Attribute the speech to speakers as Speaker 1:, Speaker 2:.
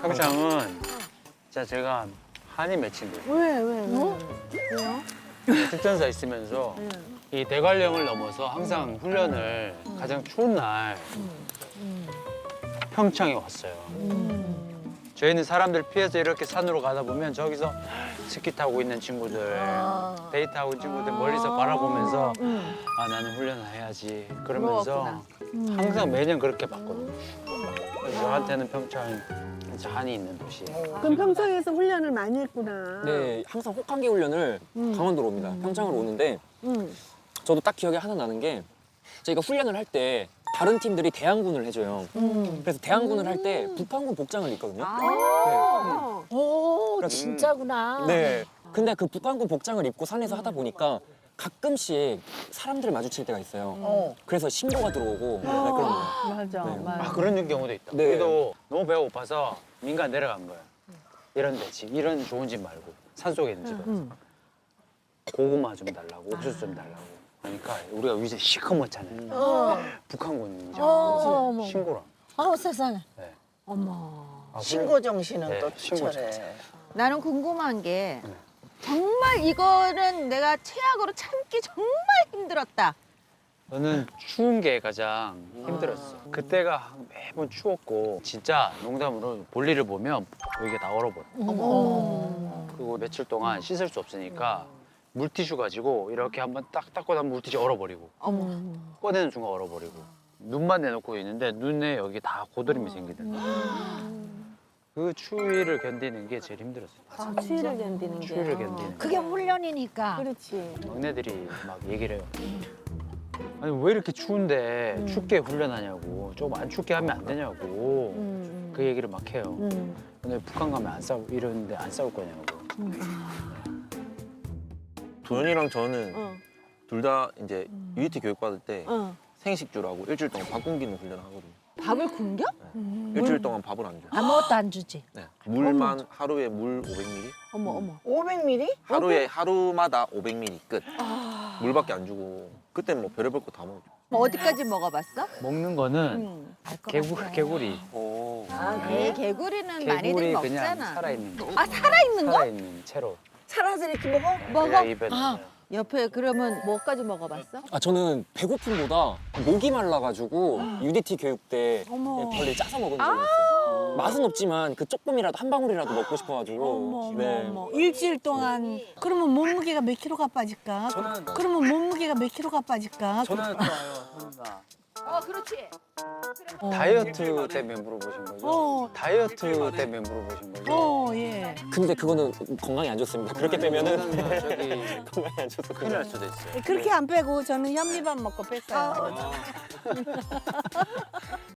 Speaker 1: 평창은 진짜 제가 한이 맺힌 거예요.
Speaker 2: 왜? 왜요?
Speaker 1: 특전사 있으면서 이 대관령을 넘어서 항상 훈련을 가장 추운 날 평창에 왔어요. 저희는 사람들 피해서 이렇게 산으로 가다 보면 저기서 스키 타고 있는 친구들, 데이트하고 있는 친구들 멀리서 바라보면서 아 나는 훈련을 해야지 그러면서 항상 매년 그렇게 봤거든요. 그래서 저한테는 평창이 진짜 한이 있는 도시예요.
Speaker 2: 그럼 평창에서 훈련을 많이 했구나.
Speaker 3: 네, 항상 혹한기 훈련을 강원도로 옵니다. 평창으로 오는데 저도 딱 기억이 하나 나는 게 저희가 훈련을 할 때 다른 팀들이 대항군을 해줘요. 그래서 대항군을 할 때 북한군 복장을 입거든요.
Speaker 4: 오, 진짜구나.
Speaker 3: 네. 근데 그 북한군 복장을 입고 산에서 하다 보니까 가끔씩 사람들을 마주칠 때가 있어요. 그래서 신고가 들어오고 네, 그런 거예요.
Speaker 2: 맞아,
Speaker 3: 네.
Speaker 2: 맞아.
Speaker 1: 아 그런 경우도 있다.
Speaker 3: 네.
Speaker 1: 우리도 너무 배가 고파서 민간 내려간 거야. 이런 데 집, 이런 좋은 집 말고 산속에 있는 집에 고구마 좀 달라고, 옥수수 좀 달라고. 그러니까 우리가 위에 시커멓잖아요. 북한군인지
Speaker 4: 어머.
Speaker 1: 신고라.
Speaker 4: 아우 세상에.
Speaker 1: 네.
Speaker 4: 어머.
Speaker 1: 아,
Speaker 5: 신고 정신은
Speaker 1: 네,
Speaker 5: 또
Speaker 1: 신고
Speaker 5: 투철해.
Speaker 6: 나는 궁금한 게
Speaker 1: 네.
Speaker 6: 정말 이거는 내가 최악으로 참기 정말 힘들었다.
Speaker 1: 저는 추운 게 가장 힘들었어. 그때가 매번 추웠고 진짜 농담으로 볼일을 보면 여기가 다 얼어버려. 그리고 며칠 동안 씻을 수 없으니까 물티슈 가지고 이렇게 한번 딱 닦고 나면 물티슈 얼어버리고 꺼내는 순간 얼어버리고 눈만 내놓고 있는데 눈에 여기 다 고드름이 생기더라고. 그 추위를 견디는 게 제일 힘들었어요.
Speaker 2: 아, 추위를 견디는 게.
Speaker 1: 추위를 견디는 게.
Speaker 4: 그게 훈련이니까.
Speaker 2: 그렇지.
Speaker 1: 막내들이 막 얘기를 해요. 아니 왜 이렇게 추운데 춥게 훈련하냐고 조금 안 춥게 하면 안 되냐고 그 얘기를 막 해요. 근데 북한 가면 안 싸우 이러는데 안 싸울 거냐고.
Speaker 7: 도현이랑 저는 둘 다 이제 UET 교육 받을 때 생식주라고 일주일 동안 밥 굶기는 훈련을 하거든요.
Speaker 6: 밥을 굶겨?
Speaker 7: 일주일 동안 밥을 안 줘요.
Speaker 4: 아무것도 안 주지.
Speaker 7: 네. 물만 하루에 물 500ml?
Speaker 2: 어머.
Speaker 5: 500ml?
Speaker 7: 하루마다 500ml 끝. 물밖에 안 주고 그때 뭐 별의별 거 다 먹죠.
Speaker 6: 뭐 어디까지 먹어봤어?
Speaker 1: 먹는 거는 개구리.
Speaker 6: 아, 개구리는 많이들
Speaker 1: 개구리 그냥
Speaker 6: 먹잖아.
Speaker 1: 살아있는 거.
Speaker 6: 아, 살아있는 거?
Speaker 1: 살아있는 채로.
Speaker 5: 살아서 이렇게 먹어?
Speaker 6: 먹어?
Speaker 1: 그냥 입에 넣어요.
Speaker 6: 옆에 그러면 뭐까지 먹어봤어?
Speaker 3: 아 저는 배고픔보다 목이 말라가지고 UDT 교육 때 벌레 짜서 먹은 적이 있어요. 맛은 없지만 그 조금이라도 한 방울이라도 먹고 싶어가지고. 네.
Speaker 2: 일주일 동안 그러면 몸무게가 몇 킬로가 빠질까? 그러면 몸무게가 몇 킬로가 빠질까?
Speaker 1: 저는
Speaker 6: 그렇지.
Speaker 1: 다이어트 때문에 물어보신 거죠? 다이어트 때문에 물어보신 거죠?
Speaker 2: 예.
Speaker 3: 근데 그거는 건강에 안 좋습니다. 그렇게 빼면은
Speaker 1: 저기
Speaker 3: 건강에 안 좋아서.
Speaker 1: 큰일 날 수도 있어요.
Speaker 2: 그렇게 안 빼고 저는 현미밥 먹고 뺐어요.